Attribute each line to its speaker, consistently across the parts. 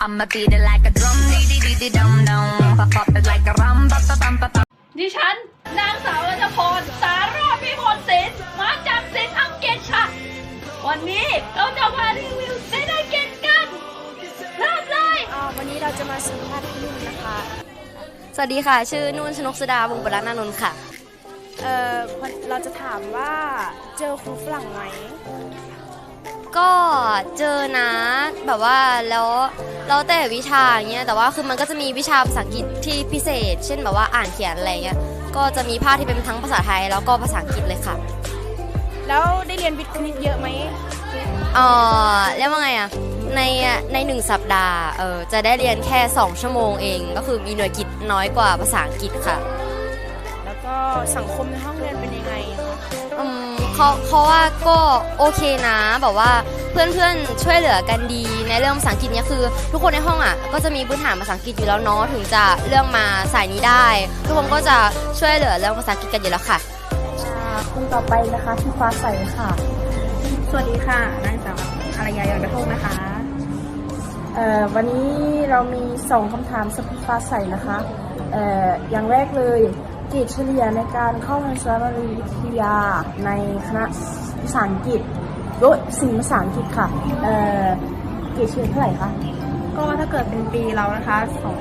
Speaker 1: I'ma beat it like a drum, dee dee dee dee dum dum, pop pop it like a rum, pop pop pop pop.
Speaker 2: ดิฉันนางสาวรัชพรสารอดพิมลศิลป์มาจากศิลป์อังกฤษค่ะวันนี้เราจะมารีวิวศิลป์อังกฤษกันเริ่มเลย
Speaker 3: วันนี้เราจะมาสัมภาษณ์พี่นุ่นนะคะ สวัสดีค่ะชื่อนุ่นชนกสุดาวงศ์ปรัตนานนท์ค่ะเราจะถามว่าเจอครูฝรั่งไหมก็เจอนะแบบว่าแล้วแต่วิชาอย่างเงี้ยแต่ว่าคือมันก็จะมีวิชาภาษาอังกฤษที่พิเศษ เช่นแบบว่าอ่านเขียนอะไรเงี้ยก็จะมีภาคที่เป็นทั้งภาษาไทยแล้วก็ภาษาอังกฤษเลยค่ะแล้วได้เรียนวิทย์คณิตเยอะไหมเรียกว่าไงอะใน1 สัปดาห์จะได้เรียนแค่2 ชั่วโมงเองก็คือมีหน่วยกิตน้อยกว่าภาษาอังกฤษค่ะแล้วก็สังคมในห้องเรียนเป็นยังไงเขาว่าก็โอเคนะแบบว่าเพื่อนๆช่วยเหลือกันดีในเรื่องภาษาอังกฤษเนี่ยคือทุกคนในห้องอ่ะก็จะมีพื้นฐานภาษาอังกฤษอยู่แล้วเนาะถึงจะเลือกมาสายนี้ได้ทุกคนก็จะช่วยเหลือเรื่องภาษาอังกฤษกันอยู่แล้วค่ะ
Speaker 4: คนต่อไปนะคะพี่ฟ้าใสค่ะ
Speaker 5: สวัสดีค่ะนางสาวอารยายอดกระโทกนะคะ
Speaker 4: วันนี้เรามี2 คำถามสำหรับพี่ฟ้าใสนะคะอย่างแรกเลยเกรดเฉลี่ยในการเข้าเรียนสารวิทยาในคณะภาษาอังกฤษโดยศิลป์ภาษาอังกฤษค่ะเกรดเฉลี่ยเท่าไหร่คะ
Speaker 5: ก็ถ้าเกิดเป็นปีเรานะคะ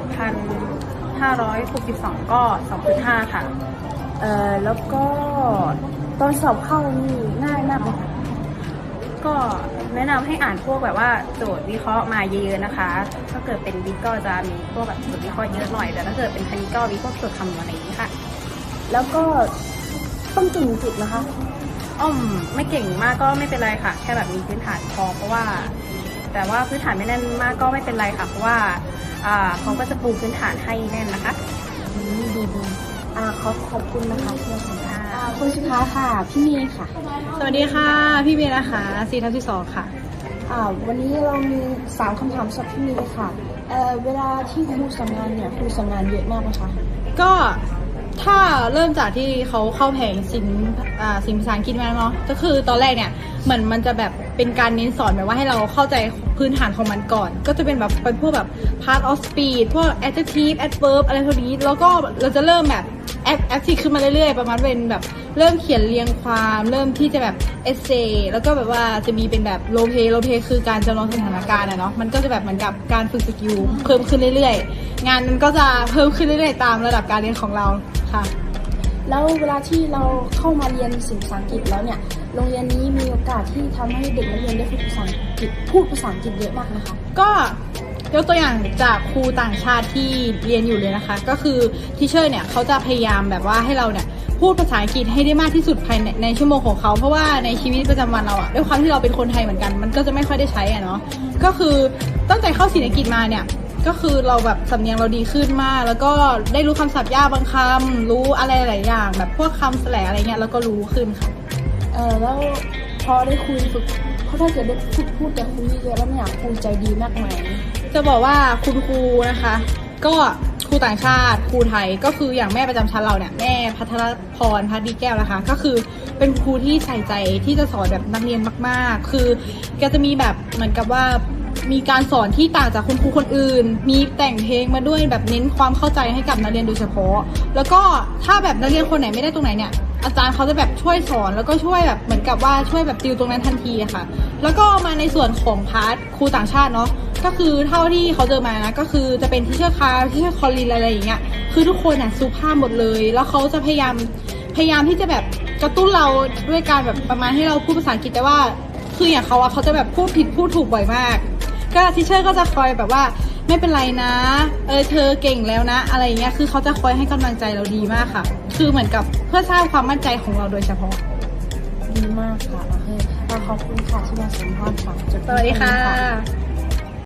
Speaker 5: 2,562ก็2.5ค่ะ
Speaker 4: แล้วก็ตอนสอบเข้านี่ง่ายมากไหมคะ
Speaker 5: ก็แนะนำให้อ่านพวกแบบว่าโจทย์วิเคราะห์มาเยอะๆนะคะถ้าเกิดเป็นวิทย์ก็จะมีพวกแบบโจทย์วิเคราะห์เยอะหน่อยแต่ถ้าเกิดเป็นคณิตก็มีพวกโจทย์คำนวณอะไรอย่างนี้ค่ะ
Speaker 4: แล้วก็ต้องเก่งอังกฤษนะคะ
Speaker 5: ไม่เก่งมากก็ไม่เป็นไรค่ะแค่แบบมีพื้นฐานพอเพราะว่าแต่ว่าพื้นฐานไม่แน่นมากก็ไม่เป็นไรค่ะเพราะว่าเขาก็จะปูพื้นฐานให้แน่นนะคะ
Speaker 4: ดีขอบคุณนะคะที่มาสัมภาษณ์คนสุดท้ายค่ะพี่เมย์ค่ะ
Speaker 6: สวัสดีค่ะพี่เมย์นะคะ4/2ค่ะ
Speaker 4: วันนี้เรามี3 คำถามสำหรับพี่เมย์ค่ะเวลาที่ครูสอนงานเนี่ยครูสอนงานเยอะมากไหมคะ
Speaker 6: ก็ถ้าเริ่มจากที่เขาเข้าแผงศิลป์ภาษาอังกฤษมาเนาะก็คือตอนแรกเนี่ยเหมือนมันจะแบบเป็นการเน้นสอนแบบว่าให้เราเข้าใจพื้นฐานของมันก่อนก็จะเป็นแบบเป็นพวกแบบ part of speech พวก adjective adverb อะไรพวกนี้แล้วก็เราจะเริ่มแบบactive ขึ้นมาเรื่อยๆประมาณเป็นแบบเริ่มเขียนเรียงความเริ่มที่จะแบบ essay แล้วก็แบบว่าจะมีเป็นแบบ role play คือการจำลองสถานการณ์เนาะมันก็จะแบบเหมือนกับการฝึกสกิลเพิ่มขึ้นเรื่อยๆงานมันก็จะเพิ่มขึ้นเรื่อยๆตามระดับการเรียนของเราค่ะ
Speaker 4: แล้วเวลาที่เราเข้ามาเรียนศิลป์ภาษาอังกฤษแล้วเนี่ยโรงเรียนนี้มีโอกาสที่ทำให้เด็กนักเรียนได้พูดภาษาอังกฤษเยอะมากนะคะ
Speaker 6: ก็ยกตัวอย่างจากครูต่างชาติที่เรียนอยู่เลยนะคะก็คือทิเชอร์เนี่ยเขาจะพยายามแบบว่าให้เราเนี่ยพูดภาษาอังกฤษให้ได้มากที่สุดภายในชั่วโมงของเขาเพราะว่าในชีวิตประจำวันเราด้วยความที่เราเป็นคนไทยเหมือนกันมันก็จะไม่ค่อยได้ใช้เนาะก็คือตั้งแต่เข้าศิลป์อังกฤษมาเนี่ยก็คือเราแบบสำเนียงเราดีขึ้นมากแล้วก็ได้รู้คำศัพท์ยากบางคำรู้อะไรหลายอย่างแบบพวกคำแสลงอะไรเงี้ยแล้วก็รู้ขึ้นค่ะ
Speaker 4: แล้วพอได้คุยฝึกเพราะถ้าเกิดได้พูดกับครูเยอะแล้วเนี่ยครูใจดีมากไหม
Speaker 6: จะบอกว่าคุณครูนะคะก็ครูต่างชาติครูไทยก็คืออย่างแม่ประจำชั้นเราเนี่ยแม่พัทรพรพัฒดีแก้วนะคะก็คือเป็นครูที่ใส่ใจที่จะสอนแบบนักเรียนมากๆคือแกจะมีแบบเหมือนกับว่ามีการสอนที่ต่างจากคุณครูคนอื่นมีแต่งเพลงมาด้วยแบบเน้นความเข้าใจให้กับนักเรียนโดยเฉพาะแล้วก็ถ้าแบบนักเรียนคนไหนไม่ได้ตรงไหนเนี่ยอาจารย์เขาจะแบบช่วยสอนแล้วก็ช่วยแบบเหมือนกับว่าช่วยแบบติวตรงนั้นทันทีค่ะแล้วก็มาในส่วนของพาร์ทครูต่างชาติเนาะก็คือเท่าที่เขาเจอมานะก็คือจะเป็นทิเชอร์คาร์ทิเชอร์คอลลินอะไรอย่างเงี้ยคือทุกคนสุภาพหมดเลยแล้วเขาจะพยายามที่จะแบบกระตุ้นเราด้วยการแบบประมาณให้เราพูดภาษาอังกฤษแต่ว่าคืออย่างเขาจะแบบพูดผิดพูดถูกบ่อยมากก็ทิเชอร์ก็จะคอยแบบว่าไม่เป็นไรนะเธอเก่งแล้วนะอะไรเงี้ยคือเขาจะคอยให้กำลังใจเราดีมากค่ะคือเหมือนกับเพื่อสร้างความมั่นใจของเราโดยเฉพาะ
Speaker 4: ดีมากค่ะขอบคุณค่ะที่มาสัมภาษณ์ค่ะ
Speaker 6: สวัสดีค่ะ